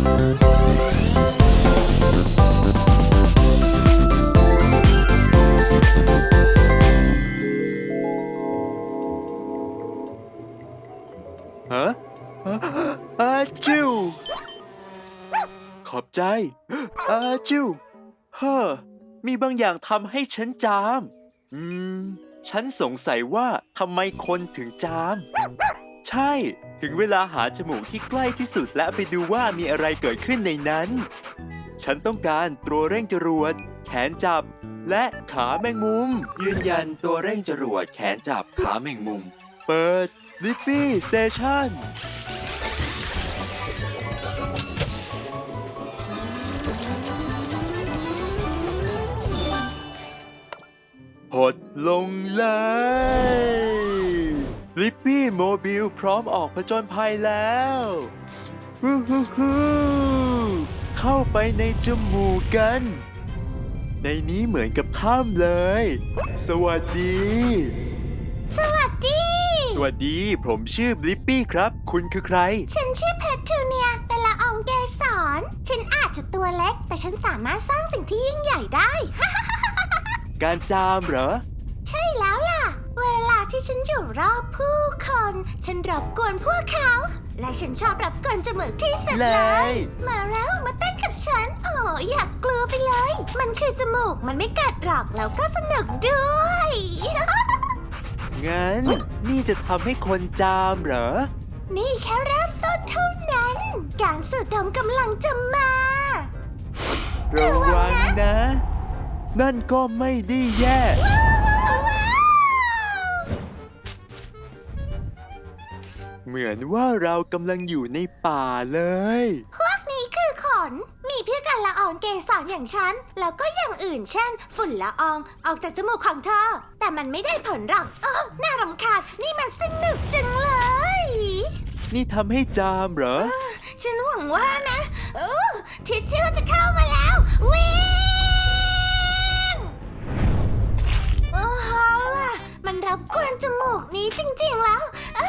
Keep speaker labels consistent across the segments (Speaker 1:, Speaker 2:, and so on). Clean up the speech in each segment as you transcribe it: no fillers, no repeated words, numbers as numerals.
Speaker 1: ฮะอาจิวขอบใจอาจิวมีบางอย่างทำให้ฉันจาม ฉันสงสัยว่าทำไมคนถึงจาม ใช่ ถึงเวลาหาจมูกที่ใกล้ที่สุดและไปดูว่ามีอะไรเกิดขึ้นในนั้น ฉันต้องการตัวเร่งจรวด แขนจับ และขาแมงมุม ยืนยันตัวเร่งจรวด แขนจับ ขาแมงมุม เปิด Blippi Station หดลงเลยลิปปี้โมบิลพร้อมออกผจญภัยแล้วฮู้ฮู้ฮู้เข้าไปในจมูกกัน ในนี้เหมือนกับถ้ำเลย สวัสดี
Speaker 2: สวัสดี
Speaker 1: สวัสดี ผมชื่อบลิปปี้ครับ คุณคือใคร
Speaker 2: ฉันชื่อเพทรูเนีย เป็นละอองเกสร ฉันอาจจะตัวเล็ก แต่ฉันสามารถสร้างสิ่งที่ยิ่งใหญ่ได้
Speaker 1: การจามเหรอ
Speaker 2: ใช่แล้วล่ะ เวลาที่ฉันอยู่รอบผู้คน ฉันรบกวนพวกเขา และฉันชอบรบกวนจมูกที่สุดเล
Speaker 1: เลย ย
Speaker 2: มาแล้วมาเต้นกับฉัน โอ้อยากกลัวไปเลย มันคือจมูก มันไม่กัดหรอก แล้วก็สนุกด้วย
Speaker 1: งั้น นี่จะทำให้คนจามเหรอ
Speaker 2: นี่แค่เริ่มต้นเท่านั้น การสูดดมกำลังจะมา
Speaker 1: ระวังนะ นั่นก็ไม่ได้แย่ เหมือนว่าเรากำลังอยู่ในป่าเลย
Speaker 2: พวกนี้คือขน มีเพื่อกันละอองเกสรอย่างฉัน แล้วก็อย่างอื่นเช่น ฝุ่นละอองออกจากจมูกของเธอ แต่มันไม่ได้ผลหรอกน่ารำคาญ นี่มันสนุกจังเลย
Speaker 1: นี่ทำให้จามเหรอ
Speaker 2: ฉันหวังว่านะทิชชู่จะเข้ามาแล้ว วิ่งเอาล่ะ มันรบกวนจมูกนี้จริงๆแล้ว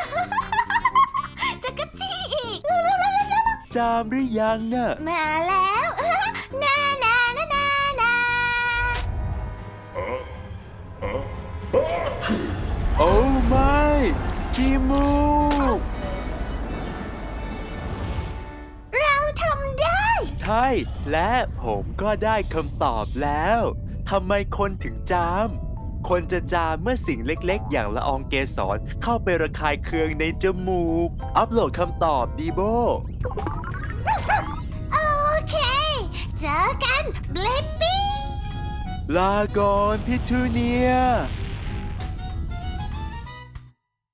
Speaker 2: จะกระจี้อีก
Speaker 1: จามหรือยังน่ะ
Speaker 2: มาแล้วนานานานานา
Speaker 1: โอ้ไม่ขี้มูก
Speaker 2: เราทำได้
Speaker 1: ใช่ และผมก็ได้คำตอบแล้วทำไมคนถึงจาม คนจะจามเมื่อสิ่งเล็กๆ อย่างละอองเกสรเข้าไประคายเคืองในจมูก อัปโหลดคำตอบดีโบ
Speaker 2: โอเค เจอกันบลิปปี้
Speaker 1: ลาก่อนพิทูเนีย